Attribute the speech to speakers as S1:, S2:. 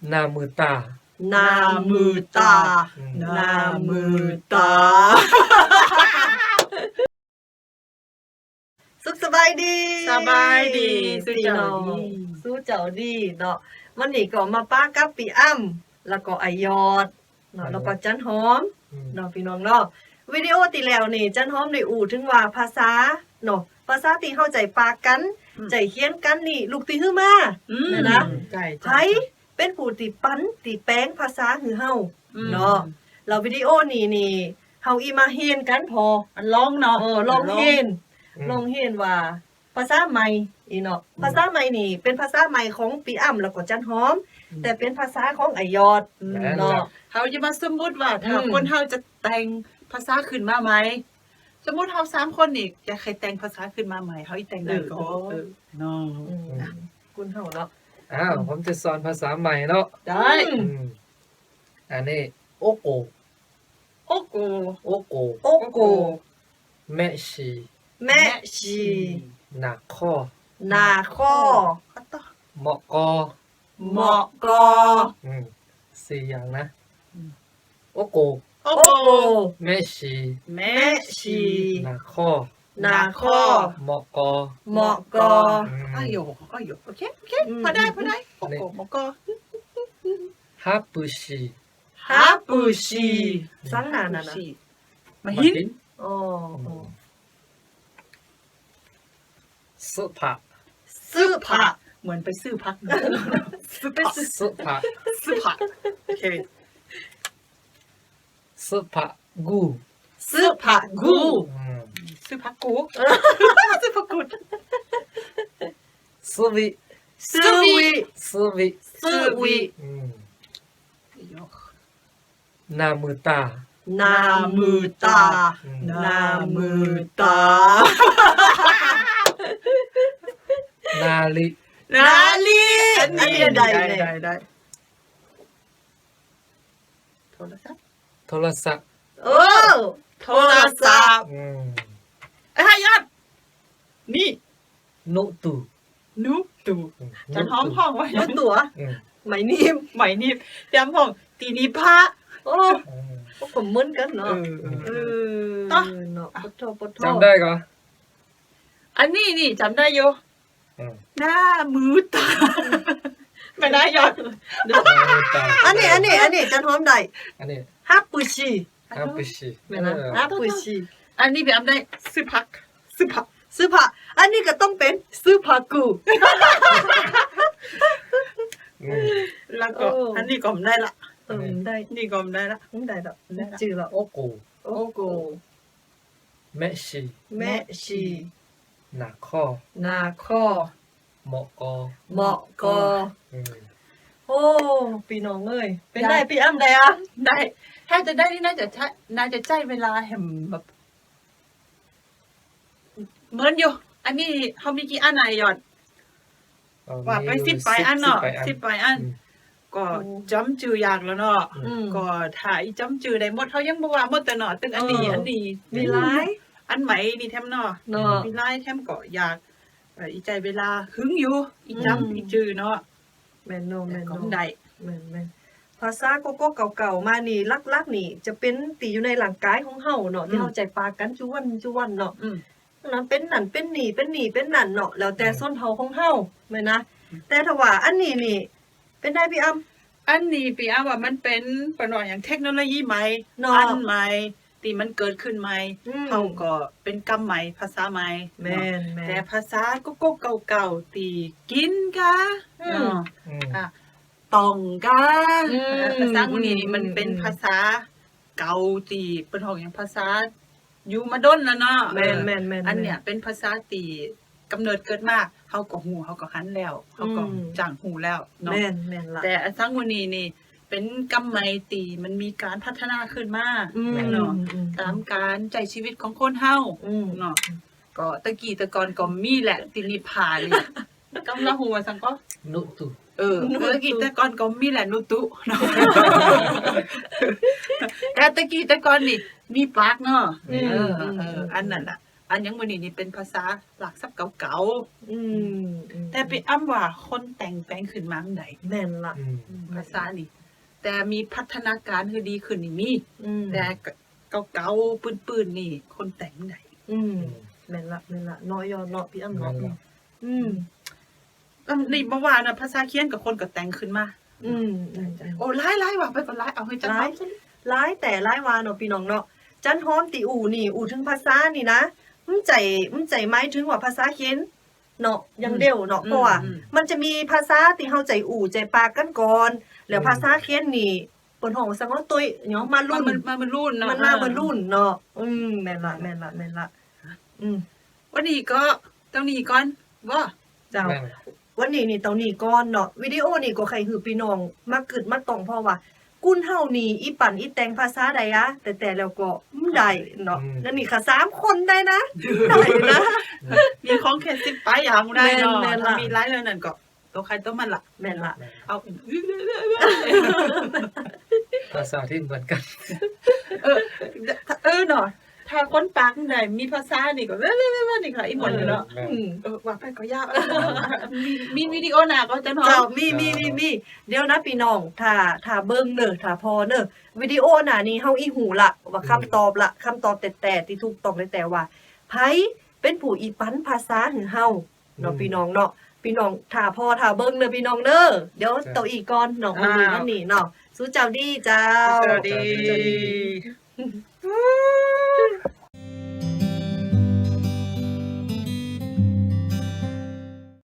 S1: หน้ามือตา
S2: หน้ามือตาหน้ามือตาสุขสบายดี
S3: สบายดี
S2: สู้เจ้าดีสู้เจ้าดีเนาะวันนี้ก็มาป้ากับปีอ้ำแล้วก็ไอยอดเนาะแล้วก็จันหอมเนาะพี่น้องเนาะวิดีโอที่แล้วนี่จันหอมได้อู่ถึงว่าภาษาเนาะภาษาที่เข้าใจปากกันใจเขียนกันนี่ลูกตีฮื้อมานะไผเป็นผู้ติปั้นติแปลงภาษาฮือเฮาเนาะแล้ววิดีโอนี่เฮาอีมาเฮียนกันพอ
S3: อันร้องเนาะ
S2: ลองเฮียนว่าภาษาใหม่อีเนาะภาษาใหม่นี่เป็นภาษาใหม่ของปีอ้ำแล้วก็จันหอมแต่เป็นภาษาของไอยอดเนาะ
S3: เฮาจะมาสมมุติว่าถ้าคนเฮาจะแต่งภาษาขึ้นมาไหมสมมุติเฮา3คนนี่จะใครแต่งภาษาขึ้นมาใหม่เฮาอีแต่งได้ก็เนาะ
S2: คุณเฮาเนาะ
S1: ผมจะสอนภาษาใหม่เนาะ
S3: ได้
S1: อันนี้โอโก
S3: โอโก
S1: โอโก
S2: โอโก
S1: แม่ชีหนักข้อ
S2: นาข้อ
S1: เหมาะกอ
S2: เหมาะกอ
S1: 4อย่างนะโอโก
S3: โอโก
S1: แม่ชีหนักข้อเหมาะกอ
S3: อ้ายโอเคพอได้โอโกเหมาะกอ
S1: ฮับปุชี
S2: สังหานะ
S3: มาหิน
S1: สุภา
S3: เหมือนไปซื้อพัก
S1: สุภา
S3: โอเค
S1: สุภากู
S3: ซื้อผักกูสุวิ
S1: หน้ามือตา
S2: นา
S1: ลี
S2: อันนี้ได้
S1: โทรศัพท์
S3: โทรศัพท์ยอดนี่
S1: นุตู
S3: จันหอมห้องไว้
S2: นุตัวไหมนิ่ม
S3: จำห้องตีนี้พระ
S2: ผมมึนกันเนาะเนาะปท
S1: จำได้ก่อน
S3: อันนี้นี่จำได้อยู่หน้ามือตาไม่ได้ยอด
S2: อันนี้จันหอมได้
S1: อันนี้
S2: ฮับปุชี
S1: ไม่นะ
S2: ฮับปุชี
S3: อันนี้แบบได้ซื้อผัก
S2: อันนี้ก็ต้องเป็นซื้อผักกู
S3: แล้วก็อันนี้ก็ได้ละ
S2: ได้
S3: นี่ก็ได้ละ
S2: ได้ละจือละ
S1: โอโกแม่ชีหนักข้อเหมาะกอ
S2: โอ้พี่น้องเอ้ยเป็นได้พี่อ้ำได้อ่ะ
S3: ได้ถ้าจะได้นี่น่าจะใช้เวลาแห่งแบบเหมือนอยู่อันนี้เฮามีกี่อันน่ะยอดว่าไป10 ปลายอันเนาะ10 ปลายอันก็จำชื่อยากแล้วเนาะก็ถ้าอีจำชื่อได้หมดเฮายังบ่ว่าหมดแต่เนาะตึงอันนี้
S2: มีหลาย
S3: อันใหม่นี่แถมเนาะมีหลายแถมก็อยากอีใจเวลาหึงอยู่อีจำอีชื่อเนาะ
S2: แม่น
S3: ก็ได้
S2: แม่นภาษาโกโก้เก่าๆมานี่ลักๆนี่จะเป็นตีอยู่ในร่างกายของเฮาเนาะที่เฮาใจปากกันจุวันเนาะนั้นเป็นนั่นเป็นนี่เป็นนั่นเนาะแล้วแต่ส้นเผาของเฮาแม่นะแต่ถ้าว่าอันนี้นี่เป็นได้พี่อ้ำ
S3: อันนี้พี่อ้ำว่ามันเป็นปนอย่างเทคโนโลยีใหม่อันใหม่ที่มันเกิดขึ้นใหม่เฮาก็เป็นกรรมใหม่ภาษาใหม่
S2: แม่น
S3: แต่ภาษาโกโก้เก่าๆที่กินกะเนาะต้องกะภาษาพวกนี้มันเป็นภาษาเก่าที่เป็นของอย่างภาษาอยู่มาดนแล้วเนาะ
S2: แม่น
S3: อันเนี้ยเป็นภาษาที่กำเนิดเกิดมาเฮาก็ฮู้เฮาก็หันแล้วเฮาก็จ้างฮู้แล้วเนาะ
S2: แม่นล่ะ
S3: แต่สังวนี้นี่เป็นกรรมใหม่ที่มันมีการพัฒนาขึ้นมาเนาะตามการใช้ชีวิตของคนเฮาเนาะก็ตะกี้ตะกอนก็มีแหละตินิพานี่กำลังฮู้ว่าสังก็
S1: นุตุ
S3: ตะกี้ตะกอนก็มีแหละนุตุเนาะแต่ตะกี้ตะกอนนี่มีปากเนาะอันนั้นน่ะอันยังมื้อนี้นี่เป็นภาษาหลักศัพท์เก่า
S2: อืม
S3: ๆแต่ไปอ้ำว่าคนแต่งแปลงขึ้นมาจังได
S2: แม่นละ
S3: ภาษานี่แต่มีพัฒนาการคือดีขึ้นนี่มี แต่เก่าๆปื้นๆนี่คนแต่งได้
S2: แม่นละน้อยยอเนาะพี่อ้ำเนาะ
S3: นี่บ่ว่านะภาษาเขียนกับคนก็แต่งขึ้นมาโอ้หลายๆว่ะไปก็หลายเอาให้จัง
S2: หลายแต่หลายวาเนาะพี่น้องเนาะจันหอมติอู่นี่อู่ถึงภาษานี่นะมึงใจหมายถึงว่าภาษาเขียนเนาะอย่างเดียวเนาะเพราะว่ามันจะมีภาษาที่เฮาใจอู่ใจปากกันก่อนแล้วภาษาเขียนนี่เปิ้นฮ้องสังว่าตุ้ยเนาะมารุ่น
S3: มันรุ่นเนาะ
S2: มันมารุ่นเนาะแม่นละ
S3: วันนี้ก็ตรงนี้ก่อนบ่
S2: เจ้าวันนี้นี่ตอนนี้ก่อนเนาะวิดีโอนี่ก็ใครหือพี่น้องมากึดมาตองเพราะว่ากุ้นเฮานี่อีปั่นอีแต่งภาษาใดอะแต่แล้วก็ได้เนาะแล้วนี่ค่ะ3คนได้นะได้นะ
S3: มีของแค่10ไปอย่างได้เนาะถ้ามีหลายแล้วนั่นก็ตัวใครตัวมันล่ะ
S2: แม่นละ
S3: เอา
S1: ภาษาที่เหมือนกัน
S3: เนาะถ้าคนปากได้มีภาษานี่ก็นี่ค่ะอีหมดเนาะว่าไปก็ยากมีวิดีโอหน้าก็จะเนาะ
S2: เจ้ามีเดี๋ยวนะพี่น้องถ้าเบิ่งเด้อถ้าพอเด้อวิดีโอหน้านี้เฮาอีหูละว่าคำตอบแต่ที่ถูกต้องแต่ว่าไผเป็นผู้อีปันภาษาหือเฮาเนาะพี่น้องเนาะพี่น้องถ้าพอถ้าเบิ่งเด้อพี่น้องเด้อเดี๋ยวเตาอีกก่อนเนาะวันนี้เนาะสู้เจ้าดีเจ้า
S3: สวัสดี